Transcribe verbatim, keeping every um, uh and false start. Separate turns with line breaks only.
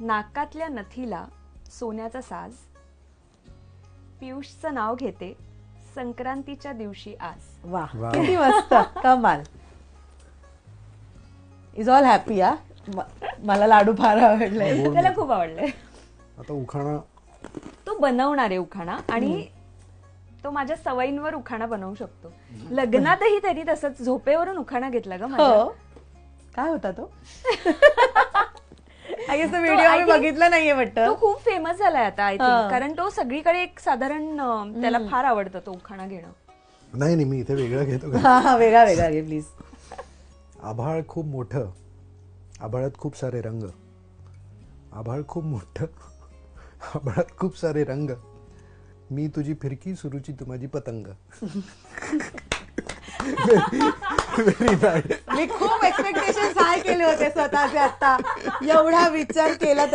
नाकातल्या नथीला सोन्याचा साज, पियुषचं नाव घेते संक्रांतीच्या दिवशी आज.
वा
वा.
किती मस्त कमाल. Is all happy. हा म- मला लाडू फार आवडले.
गोड
त्याला
नाही.
खूप आवडले.
आता उखाणा
तो बनवणार आहे उखाणा आणि तो माझ्या सवयींवर उखाणा बनवू शकतो. लग्नातही त्यांनी तसंच झोपेवरून उखाणा घेतला ग माझ्या.
हो काय होता तो? आय गेस
तो
व्हिडिओ
I
मी
think-
बघितला नाहीये
तो
वाटतं.
खूप फेमस झालाय आता आय
हा.
थिंक, कारण तो सगळीकडे एक साधारण अं, त्याला फार आवडतं तो उखाणा घेणं.
नाही नाही मी इथे वेगळं घेतो का.
हा हा वेगळा वेगळा घे प्लीज.
आभाळ खूप मोठं, आभाळात खूप सारे रंग, आभाळ खूप मोठं, आभाळात खूप सारे रंग, मी तुझी फिरकी सुरुची तू माझी पतंग. Very bad.
मी खूप एक्सपेक्टेशन हाय केले होते स्वतःचे. आता एवढा विचार केला